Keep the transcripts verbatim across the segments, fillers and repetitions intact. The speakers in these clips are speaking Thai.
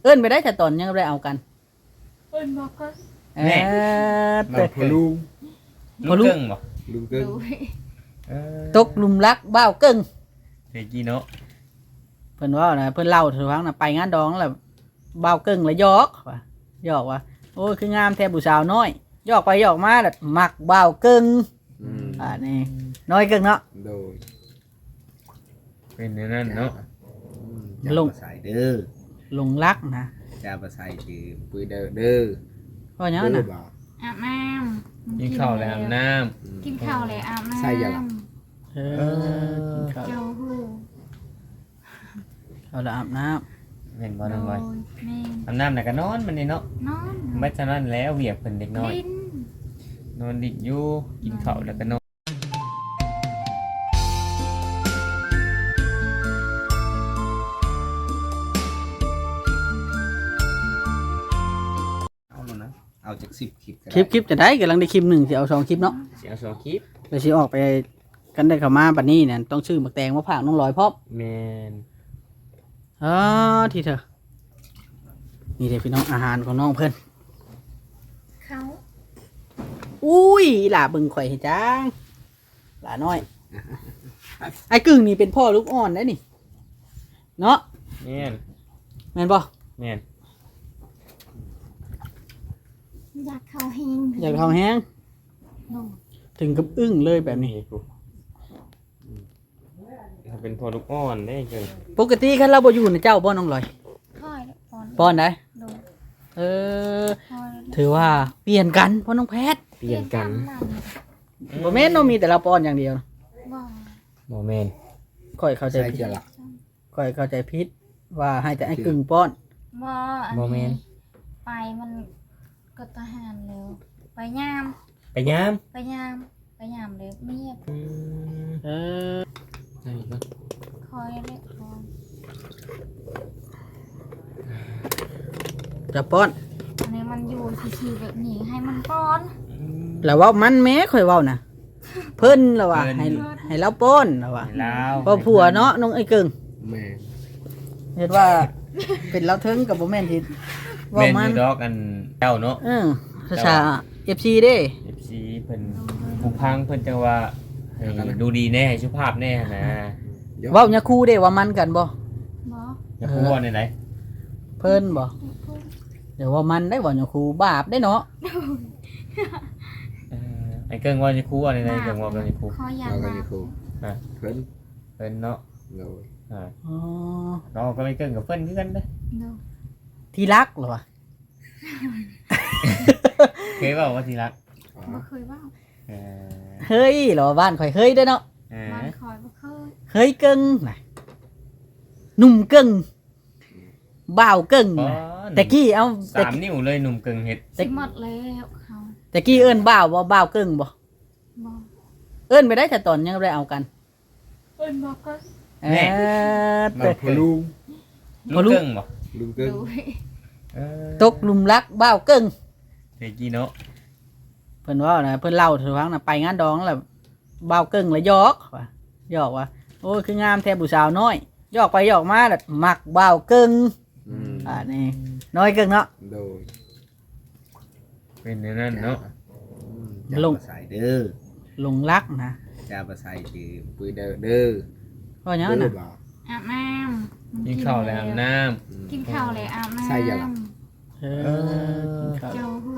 เอิ้นไปได้แต่ตอนยังบ่ได้เอากันเอิ้นบอกก็เออเราพอลุงพอลุงลูกเกิ้งบ่ลุงเกิ้งดูเออตกหลุมรักบ้าวกึ่งเทกี้เนาะเพิ่นว่านะเพิ่นเล่าถึงฟังนะไปงานดองแล้วบ้าวกึ่งแล้วหยอกว่าหยอกว่าโอ้ยคืองามแท้ผู้สาวน้อยหยอกไปหยอกมาแล้วมักบ้าวกึ่งอืมอ่านี่น้อยกึ่งเนาะโดยเป็นอย่างนั้นเนาะจะลุงมาใส่เด้อหลงรักนะจะมาใส่คือปืนเด้อเด้อเพราะหยังเด้น่ะอบ่อาบน้ำกินข้าวแล้วอาบน้อืมกินข้าวแล้วอาบน้ำใส่ยังล่ะเออกินข้าวเจ้าหู้เอาละอาบน้ำเห็นบ่น้องลอยโดแม่อาบน้ำน่ะก็นอนมันนี่เนาะนอนไม่ฉะนั้นแล้วเวียกเพิ่นเด็กน้อยลิ้นนอนดิบอยู่กินข้าวแล้วก็นอนเอาแล้วนะเอาจากสิบคลิปก็ำได้คลิปคลิปจะได้กำลังได้คลิปหนึ่งสิเอาสองคลิปเนาะเสียงสองคลิปเดี๋ยวสิออกไปกันได้เข้ามาบัดนี้เนี่ยต้องชื่อหมักแตงมาผากน้องลอยพร้อมแม่นอ๋อที่เธอนี่เด็กพี่น้องอาหารของน้องเพิ่นเขาอุ้ยหล่าเบึงข่อยให้จังหล่าน้อยไอ้กึ่งนี่เป็นพ่อลูกอ่อนได้นี่เนาะแม่นแม่นบ่แม่นอยากเข้าเฮงอยากท้องแห้งโดถึงกับอึ้งเลยแบบนี้กูถ้าเป็นพอลูกอ่อนได้เกินปกติคันเราบ่อยู่นะเจ้าบ่น้องลอยค่อยแล้วปอนป้อนได้โดเออค่อยแล้วถือว่าเปลี่ยนกันพ่อน้องแพทย์เปลี่ยนกันบ่แม่นเนาะมีแต่เราป้อนอย่างเดียวบ่บ่แม่นค่อยเข้าใจใส่ผิดจะหลักค่อยเข้าใจผิดว่าให้แต่ไอ้กึ่งป้อนบ่อันบ่แม่นนี้ไปมันก็ทหารแล้วไปยามไปยามไปยามไปยามเลยเมียอืมเออได้ก็คอยเล็กคอยจะป้อนอันนี้มันอยู่ชิวๆแบบนี้ให้มันป้อนแล้วเว่ามันแม้ค่อยเว้านะเพิ่นแล้วว่าให้ให้เราป้อนแล้วว่าให้ลาวพอผัวเนาะน้องไอ้กึ่งแม่เห็นว่าเป็นเราเทิงกับบ่แม่นที่เว่าแม่นอมันยู่ดอกอันเจ้าเนาะเออภาษา เอฟ ซี เด้เอฟซีเพิ่นผู้พังเพิ่นจังว่าให้ดูดีแน่ให้สุภาพแน่นะเว้าหยาคูเด้ว่ามันกันบ่บ่อย่าพูดว่าในไหนเพิ่นบ่เดี๋ยวว่ามันได้บ่หยาคูบาปได้เนาะเอ่อไอ้เกิงว่าจะคู่ว่าในไหนเกิงว่าเป็นคู่คอยยาเราก็มาอยู่ครูอ่ะเพิ่นเพิ่นเนาะโดยอ่าอ๋อเราก็ไม่เกิงกับเพิ่นคือกันเด้อดูที่รักเหรอวะเคยเว้าว่าสิรักอ๋อบ่เคยว่าเออเฮ้ยเหรอบ้านข่อยเฮ้ยเด้อเนาะเอบ้าอนคอยบ่เคยเฮ้ยกึ่งน่ะหนุ่มกึ่งบ่าวกึ่งอ๋อน่ะแต่กี้เอาแต่สามนิ้วเลยหนุ่มเกิงเฮ็ดสิหมดแล้วเขาแต่กี้เอิ้นบ่าวบ่บ่าวกึ่งบ่บ่เอิ้นไปได้แต่ตอนยังบ่ได้เอากันเอิ้นบอกก็เออเราพอลุงพอลูกลูกเกิงบ่ลุงเกิ้งดูเออตกหลุมรักบ่าวกึ่งเทกี้เนาะเพิ่นว่านะเพิ่นเล่าถึงฟังนะไปงานดองแล้วบ่าวกึ่งแล้วหยอกว่าหยอกว่าโอ้ยคืองามแท้ผู้สาวน้อยหยอกไปหยอกมาแล้วมักบ่าวกึ่งอืมอ่านี่น้อยกึ่งเนาะโดยเป็นอย่างนั้นเนาะจะลุงมาใส่เด้อหลงรักนะจะมาใส่คือปืนเด้อเด้อเพราะหยังเด้อน่ะบ่อาบน้ำกินข้าวแล้วอาบน้อืมกินข้าวแล้วอาบน้ำใส่ยังล่ะเออกินข้าวเจ้าหู้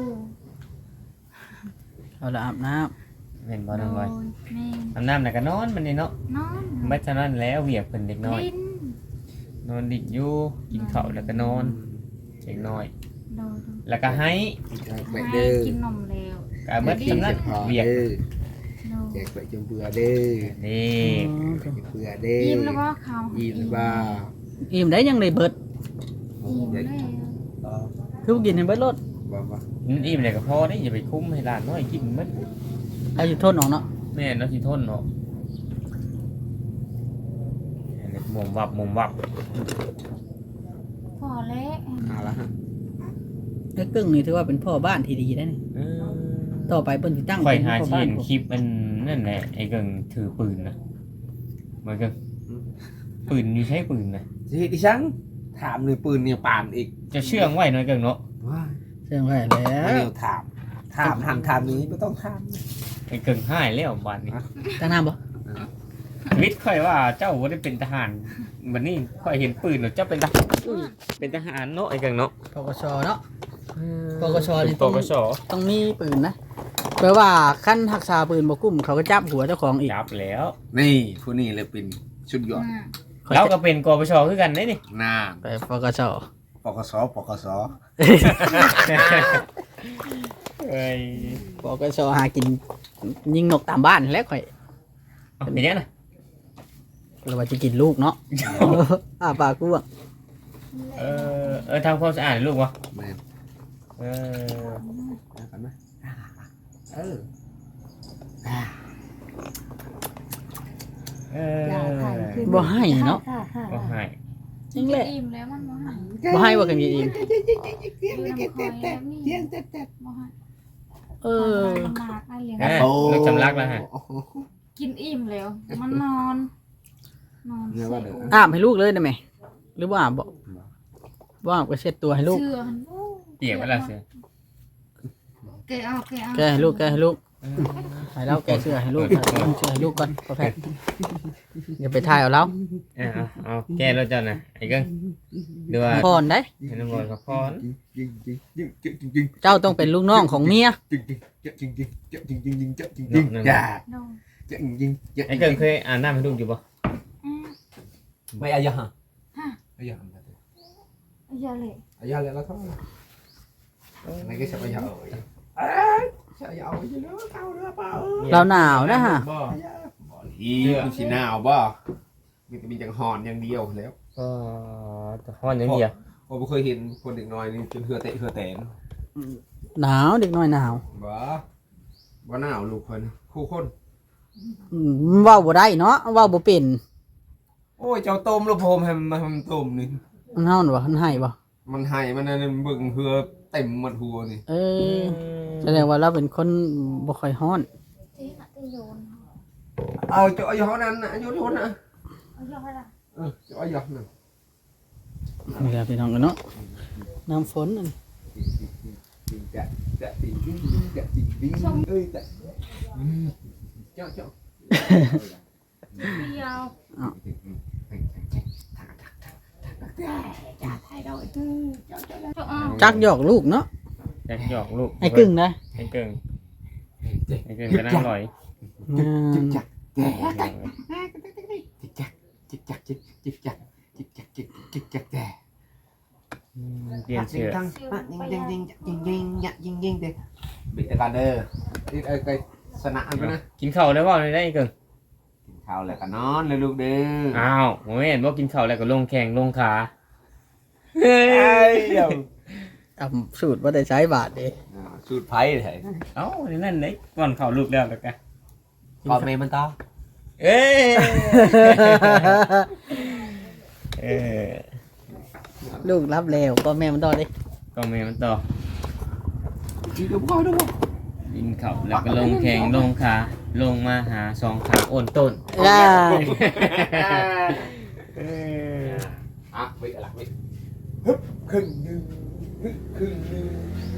เอาละอาบน้ำเห็นบ่น้องลอยโดแม่อาบน้ำน่ะก็นอนมันนี่เนาะนอนไม่ฉะนั้นแล้วเวียกเพิ่นเด็กน้อยลิ้นนอนดิบอยู่กินข้าวแล้วก็นอนเด็กน้อยโดดแล้วก็ให้แจกไปให้เด้อกินนมแล้วก็เบิดกินสำนัจะกพอเวียกเด้อโดแจกไปจนเบื่อเด้อนี่ำแจกเบื่อเด้อยิ้มแล้วก็เขายิ้มบ้าอิ่มได้ยังได้เบิดยิ้มอยากแล้วคือกินให้เบิดรถบ่บ่มันอิ่มเลยก็พอได้อย่าไปคุ้มให้หลานน้อยกินมันอายุทนออกเนาะแม่เนาะสิทนเนาะอันนี้มุมวับมุมวับพอแล้วเอาละฮะไอ้กึ่งนี่ถือว่าเป็นพ่อบ้านที่ดีได้นี่เออต่อไปเพิ่นสิตั้งข่อยเป็นหาพ่อที่บ้านเห็นคลิปมันนั่นแหละไอ้เกิงถือปืนนะเหมือนกันปืนอยู่ใช้ปืนนะสิเฮ็ดดิฉันถามเลยปืนเนี่ยปานอีกจะเชื่องไว้หน่อยเกิงเนาะว้าเชื่อไว้แล้ไม่วเดียวถามถามถามถามนี้ไม่ต้องถามไอ้เกิงหายแล้วบาดนี้ตั้งน้ำบ่วิทย์ค่อยว่าเจ้าบ่ได้เป็นทหารบัดนี้ค่อยเห็นปืนแล้วเจ้าเป็นทหารอุ้ยเป็นทหารเนาะไอ้เกิงเนาะปกชเนาะ ปกชนี่ปต้องกชต้องมีปืนนะแปลว่าขั้นหักษาปืนบ่กุ้มเขาก็จับหัวเจ้าของอีกจับแล้วนี่ผู้นี้เลยเป็นชุดยอดอืมเราก็เป็นกปชคือกันเด้นี่หน้าไปปกชปกสปกสเอ้ยปกชหากินยิงนกตามบ้านแล้วข่อยเอาเป็นยังไงนะเราว่าจะกินลูกเนาะ อ่าปากกูอ่ะเออเออทำความสะอาดลูกวะแม่นเออแล้วกันไหมเออเออย่าถ่ายอคลิปบ่ให้เนาะค่ะค่ะก็ให้จริงแหละอิ่มแล้วมันบ่ให้บ่ให้ว่ากันกินอิ่มอยู่น้ำคอยแล้วนี่บ่ให้เออมันมากได้เลี้ยงเออลูกจำรักแล้วฮะกินอิ่มแล้ว มันนอน นอนเนี่ยว่าเด้ออาบให้ลูกเลยได้ไหมหรือว่าอาบบ่บ่อาบก็เช็ดตัวให้ลูกเชื่อหันเปียกเวลาเสือแกะเอาแกะเอาแกให้ลูกแกให้ลูกให้เราแกเสื้อให้ลูกเอาเสื้อให้ลูกก่อนพอแพทย์อย่าไปถ่ายเอาแล้วเออเอาเอาแก้แล้วเจ้าน่ะไอ้เกิ้งดูว่าพรได้ให้น้ำมันกับพรจริงจริงจริงจริงจริงจริงเจ้าต้องเป็นลูกน้องของเมียจริงจริงจริงจริงจริงจริงจริงจริงจริงจริงจ้าโดนจริงจริงไอ้เกิ้งเคยอ่านน้ำให้ลูกอยู่ปะอ่ะไม่อายะฮะฮะอายะอย่าเลยอายะเลยแล้วก็ไม่ก็จะไปยาวจะยาวไปเยอะเข้าเรือเปล่าเราหนาวนะฮะบ่อีคุณสีหนาวบ่มีแต่มีจังหอนอย่างเดียวแล้วก็จะพรอย่างเดียวผมเคยเห็นคนเด็กน้อยนี่จนเหือเตะเหือแตนหนาวเด็กน้อยหนาวบ่บ่หนาวลูกคนคู่คนอืมเว้าบ่ได้เนาะเว้าบ่เป็นโอ้ยเจ้าต้มลูกผมให้มันมันต้มนี่มันเฮาน่ะบ่มันให้บ่มันให้มันนั่นเบิ่งเหือเต็มหมดหัวนี่เออแสดงว่าเราเป็นคนบ่ค่อยฮ้อนที่น่ะที่โยนเอาเจ้าอายุเท่านั้นนะอายุเท่านั้นนะเอาย่อยละเออเจ้าอายุนั่นนี่แหละพี่น้องกันเนาะน้ำฝนนั่นจริงจะจะจริงจริงจะจริงจริงเอ้ยจะเจ้าเจ้าเดียวจะถ่ายเราไอ้ตื้อเจ้าเจ้าเจ้าเอาจักหยอกลูกเนาะอยากหยอกลูกไอ้กึ่งนะไอ้เกิ้งไอ้เกิ้งก็นั่งลอยอืมจิกจักแก่จิกจักจิกจักจิกจิกจักจิกจักจิกจิกจักแก่เปลี่ยนเสื้อยิงยิงยิงยิงยิงยิงยิงเด็กบิดตะการเด้อนี่ไอ้ไอ้สนะอันนะกินข้าวได้บ่ได้ได้ไอ้เกิ้งกินข้าวแล้วก็นอนเลยลูกเด้ออ้าวผมเห็นว่ากินข้าวแล้วก็ลงแข่งลงขาเฮ้ยเดี๋ยวอ่ะสูตรบ่ได้ใช้บาทเด้สูตรไผ่เลยเอ้านั่นเลยก่อนข้าวลูกแล้วแล้วกันก่อนเมย์มันต่อเอ้ยเออลูกรับแล้วก็แม่มันต่อเด้ก็แม่มันต่อกินกับพ่อด้วยกินข้าวแล้วก็ลงแข่งลงขาลงมาหาสองขาโอนต้นอ่าเอออ่ะไปกันละไปฮึบครึ่งหนึ่งฮึบครึ่งหนึ่ง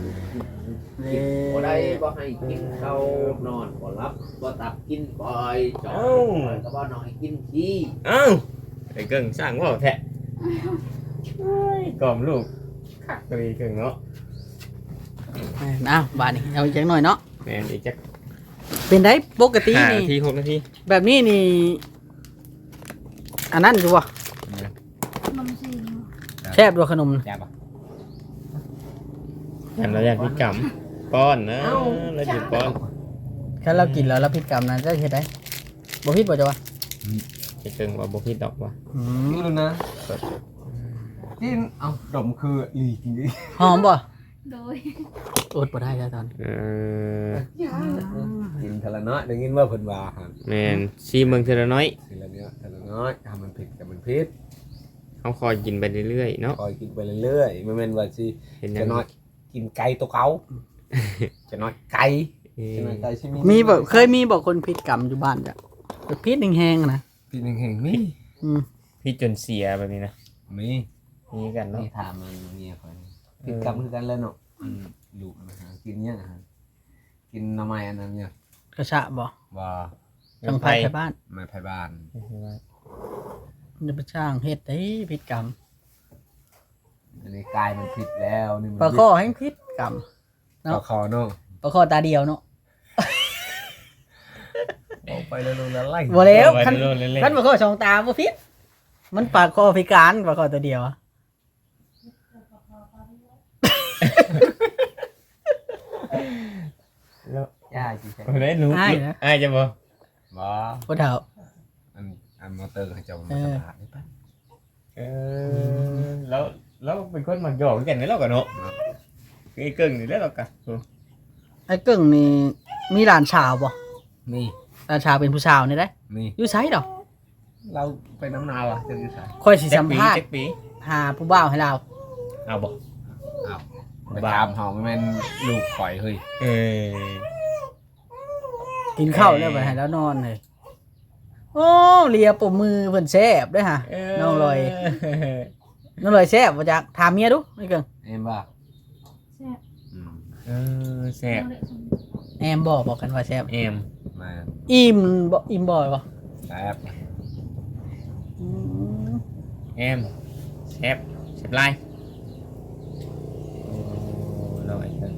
บ่ได้บ่ให้กินข้าวนอนบ่รับบ่ตับกินบ่อยจอดก็บ่นอนให้กินขี้เอ้าไอ้เกิ่งสร้างว่าวแท้เฮ้ยกล่อมลูกคักเลยเกิ่งเนาะอ้าวบาทนี้เอาอีกจักหน่อยเนาะแม่นอีกจักเป็นได้ปกติห้านี่นาทีหกนาทีแบบนี้นี่อันนั้นอยู่บ่นมสีแซ่บด้วยขนมแซ่บป่ะอันเราอยากพิกรรมป้อนนะเราหยุดป้อนแค่เรากินแล้วเราผิดกรรมนะจะเฮ็ดได้บ่ผิดบ่จ้ะวะไอ้เกิ่งว่าบ่ผิดดอกว่ะอืมนี่เลยนะกินเอาดมคืออีจริงดิหอมบ่โดยอดบ่ได้แล้วตอนเออกินทะละน้อยได้ยินว่าเพิ่นว่าหั่นแม่นซีเมืองเทอละน้อยทีละเนี้ยทะละน้อยทำมันผิดกับมันผิดเขาคอยกินไปเรื่อยๆเนาะคอยกินไปเรื่อยๆไม่แม่นว่าสิเห็นยัจะงน้อยกินไก่ตัวเก่าจะน้อยไก่เออจะน้อยไก่ใช่มั้ยมีบ่เคยมีบ่คนผิดกรรมอยู่บ้านจ้ะแบบผิดแห้งๆนะพี่หนึ่งแห่งมีอืมพี่จนเสียแบบนี้นะมีมีกันเนาะนี่ถามมันเมียคอยผิดกรรมคือกันแล้วเนาะอืมลูกมันหากินเนี่ยนะฮะกินหน้ำไม้อันนั้นเนี่ยกระชะบ่ว่าจังไผไทบ้านไม้ไผ่บ้านมันจะไปสร้างเฮ็ดได้ผิดกรรมอันนี้กายมันผิดแล้วนี่มันปลาข้อแห่งผิดกรรมปลาคอเนาะปลาข้อตาเดียวเนาะออกไปแล้วลงแล้วไล่บ่แล้วคันเล่นคันปลาข้อสองตาบ่ผิดมันปลาข้อพิการปลาข้อตัวเดียวอะแล้วย่าจีใช่ได้รู้อ้ายจะบ่บ่บ่เฒ่าอันอันมอเตอร์เขาจะมาเออสตาร์ทได้ปะเออแล้วแล้วเป็นคนมักหยอกกันนี่แล้วกันเนาะคือไอ้เกิ่งนี่แล้วกันไอ้กึ่งนี่มีหลานสาวบ่นี่หลานสาวเป็นผู้สาวนี่ได้นี่อยู่ไสดอกเราไปน้ำนาวอ่ะจะอยู่ไสค่อยสิสัมภาษเจ็ณ์ดปีหาผู้บ่าวให้เราเอาบ่อ้าวไปตามเฮาไม่แม่นลูกข่อยเฮ้ยเออกินข้าวแล้วไปให้แล้วนอนเลยโอ้เลียปมมือเพิ่นแซ่บเด้อฮะน้องลอยน้องลอยแซ่บบ่จักถามเมียดูไอ้กึ่งเอ็มบ่าแซ่บอืมเออแซ่บเอาเลยสมแอมบอกบอกกันว่าแซ่บเอมมาอิ่มบ่อิ่มบ่อยบ่แซ่บอืมเอมแซ่บแซ่บลายโอ้เราไอ้เกิ่ง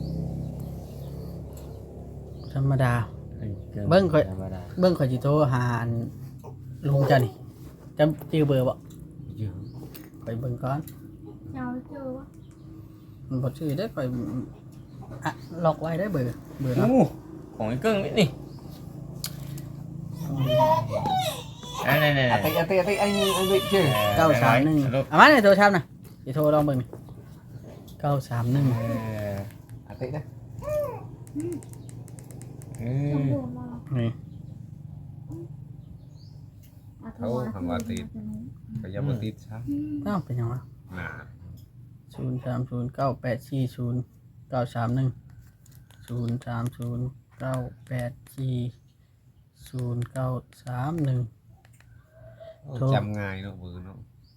ธรรมดาไอ้กิ่เบิ่งค่อยธรรมดาเบิ่งข่อยสิโทรหาอันลุงเจ้านี่จำชื่อเบอร์บ่เยอะไปเบิ่งก่อนเอาไปเจอวะมันบ่ชื่อได้อข่อยอ่ะล็อกไว้ได้อเบอร์เบอร์เนาะโอ้ของไอ้เกิ่งนี่นี่อันนั้นอะติอะติอะติไอ้นี่ไอ้นี่เจ้าเก้าสามหนึ่งเอามาในโทรศัพท์น่ะสิโทรลองเบิ่งเก้าสามหนึ่งเอออะตินะเอต้อองดูมานี่อาโทเขารทำว่าติดก็ยังบ่ติดซะเอ้าเป็นหยังวะน่ะศูนย์สามศูนย์เก้าแปดสี่ศูนย์เก้าสามหนึ่งศูนย์สามศูนย์เก้าแปดสี่ศูนย์เก้าสามหนึ่ง โทรจำง่ายเนาะเบอร์เนาะ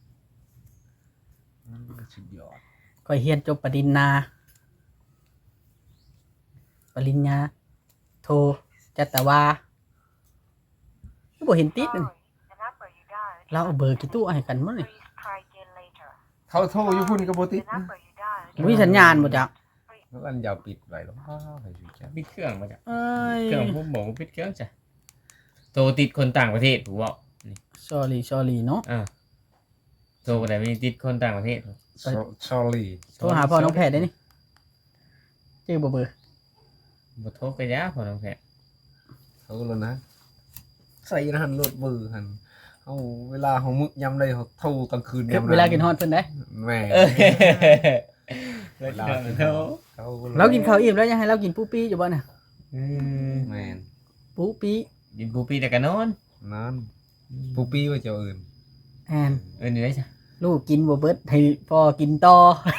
อืมสุดยอดก็เฮียนจบปริญญาปริญญาโทจัตวาก็บ่เห็นติดนั่นเราเอาเบอร์กี่ตู้ให้กันมั้งนี่เขาโทรอยู่พุ่นก็บ่ติดนะมีสัญญาณบ่จักแล้วอันยาวปิดไว้หรอกอ้าวให้สิจ้ะปิดเครื่องมาจ้ะเอ้ยเครื่องผมบอกว่าปิดเครื่องจ้ะโทรติดคนต่างประเทศถูกเปล่า sorry sorry เนาะอ่าโทรไปไหนไม่ติดคนต่างประเทศซอรี่โทรหาพ่อน้องแพทย์ได้นี่ชื่อบ่เบอร์บ่โทรไปยะพอน้องแพทย์เขาแล้วนะใส่รหัสรถเบอร์หันเอาเวลาเขามึกยำเลยเขาโทรกลางคืนยำเวลากินฮอดเพิ่นได้แม่เออเวลาโทรเขาเรากินข้าวอิ่มแล้วยังให้เรากินปูปี้อยู่บ่น่ะอืมแม่นปูปี้กินปูปีแต่กันนอนนั่นปูปี้ว่าเจ้าอื่นแอนเออนี่ได้จ้ะลูกกินบ่เบิดให้พ่อกินต่อ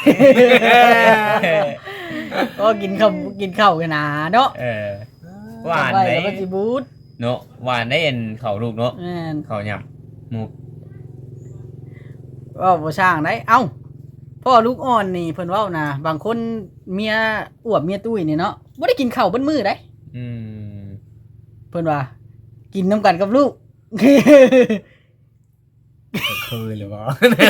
ก็กินข้าวกินข้าวกันนะเนาะเออ หวานไปไหมแล้วก็สิบูดเนาะหวานได้เอ็นเขาลูกเนาะแม่นเขาหยับหมูเว้าบ่สร้างได้เอ้าพ่อลูกอ่อนนี่เพิ่นเว้านะบางคนเมียอวบเมียตุ้ยนี่เนาะบ่ได้กินข้าวเบิดมื้อได้อืมเพิ่นว่า กินน้ำกันกับลูกเคยหรือเปล่า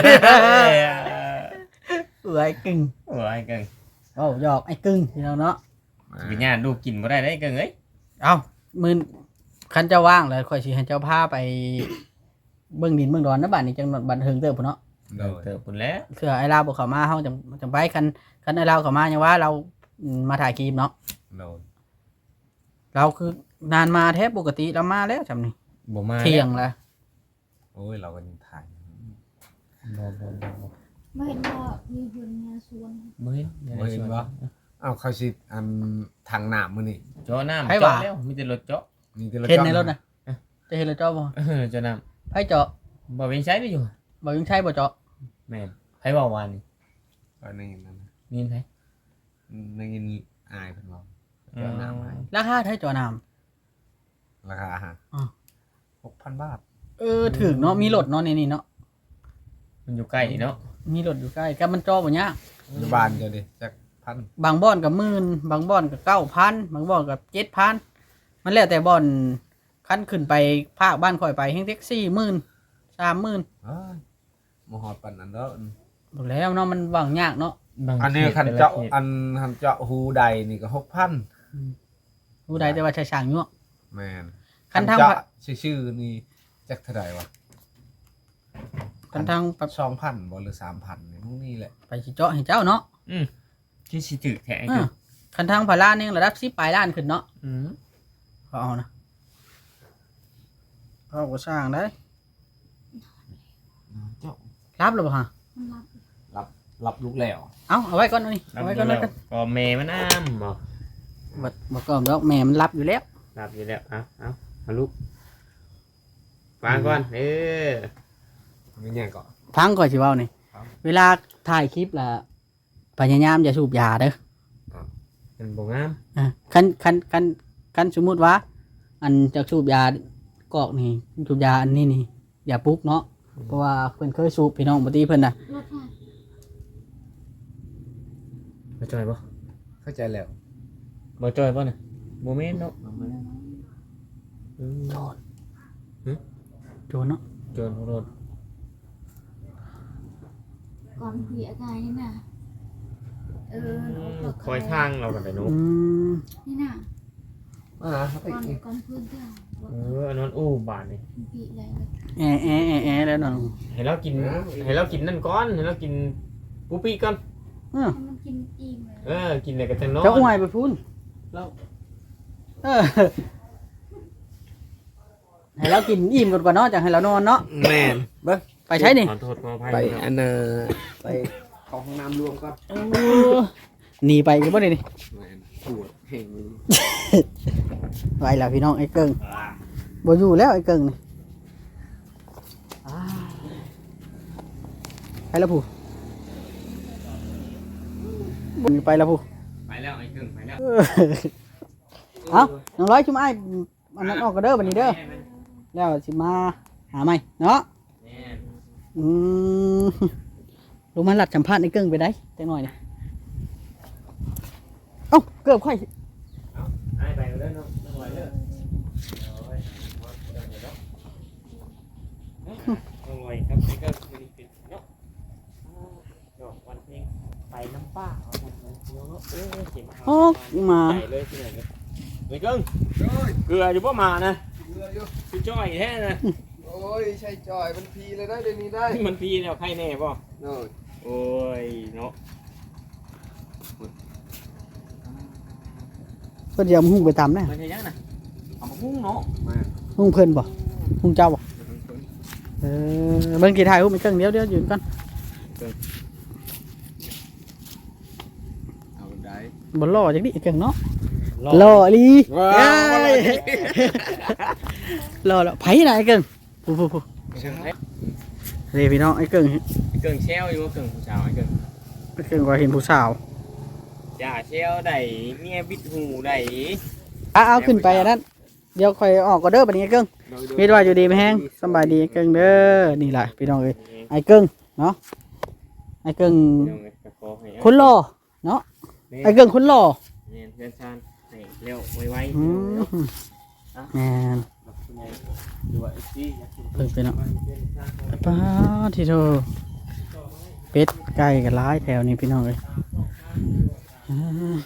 เอ้ยกึ่งโอ้ยเกิงเอ้าหยอกไอ้กึ่งพี่น้องเนาะวิญญาณลูกกินบ่ได้ได้เกิงเอ้ยเอ้ามื้อคันเจ้าว่างแล้วค่อยสิให้เจ้าพาไปเบิ่งดินเบิ่งดอนนะบัดนี้จังบันเทิงเติบพุ่นเนาะโดยเติบปุ่นแล้วเผื่อไอ้ลาวบ่เข้ามาเฮาจังจังไปคันคันไอ้ลาวเข้ามายังว่าเราอืมมาถ่ายคลิปเนาะโดยเราคือนานมาแทบปกติเรามาแล้วจำนี่บ่มาเที่ยงแล้วโอ้ยเราก็ยังถ่ายบ่บ่บ่บ่ไม่เห็นว่ามีเพื่อนงานสวนบ่เห็นบ่เห็นปะอ้าวเขาสิอันทางหนามมือนี่เจาะน้ำให้เจาะว่าแล้วมีแต่รถเจาะนี่ที่เราเห็นจ้องในรถนะจะเห็นรถเจาะบ่เออเจาะน้ไผเจาะำบ่เป็นใช้ได้อยู่บ่ยังใช่บ่เจาะแม่นไผเว้าวานนี่ก็ในนั้นนะมีนไผในยินอายเพิ่นบอกเจ้าหนามให้ราคาไทยเจาะน้ราคาอาหารอ๋อหกพันบาทำเออถึงเนาะมีรถเนาะในนี่เนาะมันอยู่ใกล้นี่เนาะมีรถอยู่ใกล้ก็มันจอบ่ยากอยู่บ้านเจ้าดิจักพันบางบ่อนก็หมื่นบางบ่อนก็เก้าพันบางบ่อนก็เจ็ดพันมันแล้วแต่บ่อนคันขึ้นไปภาคบ้านข่อยไปแฮงแท็กซี่หมื่นสามหมื่นเอ้ยบ่ฮอดปานนั้นเด้อบ่แล้วเนาะมันว่างยากเนาะอันนี้คันเจาะอันคันเจาะหูใดนี่ก็หกพันผู้ใดแต่ว่าใช้ช่างยั่วแม่นคันทางเจาะชื่อๆนี่จักเท่าใดวะคันทางไปสองพันบ่หรือสามพันนี่พวกนี้แหละไปสิเจาะให้เจ้าเนาะอืมที่สิถือแท้เออคันทางพารานี่ระดับสิบปลายล้านขึ้นเนาะอืมเขาเอานะเขาก็สร้างได้เจาะมันรับหรือเปล่าฮะรับรับรับลูกแล้วเอาเอาไว้ก่อนหน่อยเอาไว้ก่อนเลยกันก็แม่มันอ้ามบ่บัดบัดก่อนแล้วแม่มันรับอยู่แล้วรับอยู่แล้วเอาเอาเอาลูกฟังก่อนเออมีหยังก็พังก่อนสิเว้านี่ครับเวลาถ่ายคลิปล่ะพยายามอย่าสูบยาเด้อมันบ่งามอ่ะคันคันคันคันสมมุติว่า อันจะสูบยากอกนี่สูบยาอันนี้นี่อย่าปลุกเนาะเพราะว่าเพิ่นเคยสูบพี่น้องบ่ตีเพิ่นน่ะรถค่ะบ่จอยบ่เข้าใจแล้วบ่จอยบ่น่ะบ่แม่นเนาะอืมโจรเนาะจนรถก่อนคุยอาการนี่น่ะเออคอยทางเรากันไปนุ๊กอืมนี่น่ะอ่าครับก่อนอีกก่อนพื้นเจ้าเอออันนั้นอู้บาทนี่ปีอะไรแอแอแอแอแล้วน้องให้เรากินให้เรากินนั่นก่อนให้เรากินปูปี้ก่อนเออให้มันกินอิ่มเลยเออกินอะไรก็จะนอนจะอ้วยไปพุ่นแล้วเออให้เรากินอิ่มก่อนก่อนเนาะจังให้เรานอนเนาะแม่นเบิ่งไปใช้นี่ขอโทษขออภัยไปครับอันน่ะไปเข้าห้องน้ำรวมก่อนหนีไปก็บ่ได้นี่แม่นปวดแห่งนี้ไปแล้วพี่น้องไอ้เกิงบ่อยู่แล้วไอ้เกิงนี่ไปแล้วผู้บ่ไปแล้วผู้ไปแล้วไอ้กึ่งไปแล้วเอ้าน้องร้อยชุมไอ้อันนั้นออกก็เด้อบัดนี้เด้อแล้วสิมาหาใหม่เนาะแม่อืมลงมาหลัดสัมภาษณ์ไอ้เกิงไปได้จังหน่อยนี่เอ้าเกือบค่อยไอ้ไปเด้อเนาะต้องไหวเด้อต้องไหวครับไอ้ก็ไม่ได้ปิดเนาะดอกวันเพลงไปน้ำป้าเอาทำเลยเนาะเออเจ็บออกมาใหญ่เลยที่ไหนเนี่ยไอ้กึ่งเกลืออยู่ป่ะมานะเรืออยู่คือจ้อยแท้นะโอ้ยใช่จอยมันพีเลยได้เดี๋ยวนี้ได้มันพีเนี่ยใครแน่ป่ะโน่นโอ้ยเนาะเพิ่นสิเอาหุ้งไปตำนะมันจะยังนะเอามาหุ้งเนาะมาหุ้งเพิ่นบ่หุ้งเจ้าบ่เออเบิ่งกี่ถ่ายหุ้งไปเกิงเดี๋ยวเดี๋ยวยืนก่อนเอาได้บ่รอจักดิไอ้เกิงเนาะรอรออีหลีว้าเอ้วยรอแล้วไผน่ะไอ้เกิงผู้ผู้ผู้นี่พี่น้องไอ้เกิงเกิงเชลอยู่ว่าเกิงผู้สาวไอ้เกิงไอ้เกิงว่าเห็นผู้สาวจ่าเชลได้เมียบิดหูได้อ่ะเอาขึ้นไปอันนั้นเดี๋ยวค่อยออกก็เด้อบัดนี้ไอ้เกิงมีว่าอยู่ดีไหมแฮงสำบายดีไอ้เกิงเด้อนี่ล่ะพี่น้องเอ้ยไอ้เกิงเนาะไอ้เกิงคนหล่อเนาะไอ้เกิงคนหล่อเนี่ยเดินชานให้เร็วไวอืมแม่นๆดูว่าไอ้ซี่อยากกินเพิ่งไปเนาะป้าทีโทเป็ดไก่กับร้ายแถวนี้พี่น้องเลยอ่า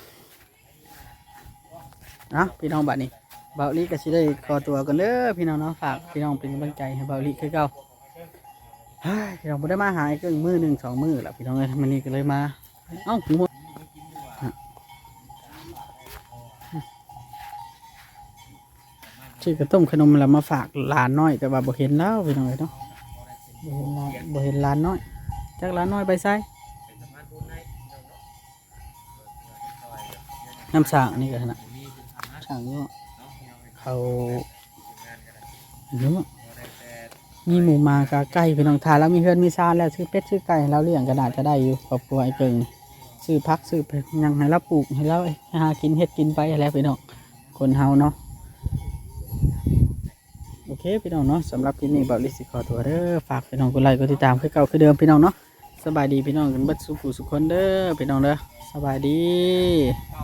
อ่ะพี่น้องบัดนี้เบาลีก็สิได้ขอตัวกันเด้อพี่น้องเนาะฝากพี่น้องเป็นกำลังใจให้เบาลีคือเก่าเฮ้ยพี่น้องบ่ได้มาหาไอ้เกิงมือหนึ่งสองมือละพี่น้องเลยมันนี่ก็เลยมาเอ้าหูชื่อกระต้มขนมแล้วมาฝากหลานน้อยแต่ว่าบ่เห็นแล้วพี่น้องเลยเนาะบ่เห็นหลานบ่เห็นหลานน้อยจักหลานน้อยไปไสน้ำสางนี่ก็นะสางเนาะเขาเยอะมีหมูมากาไก่พี่น้องทานแล้วมีเฮือนมีซานแล้วซื้อเป็ดซื้อไก่ให้เราเลี้ยงก็น่าจะได้อยู่ครอบครัวไอ้เกิงนี่ซื้อพักซื้อไปยังให้เราปลูกให้เราหากินเฮ็ดกินไปแล้วพี่น้องคนเฮาเนาะโอเคพี่น้องเนาะสำหรับคลิปนี้เบาลิสิขอตัวเด้อฝากพี่น้องกดไลค์กดติดตามคือเก่าคือเดิมพี่น้องเนาะสบายดีพี่น้องกันเบิดสุขุสุขคนเด้อพี่น้องเด้อสบายดี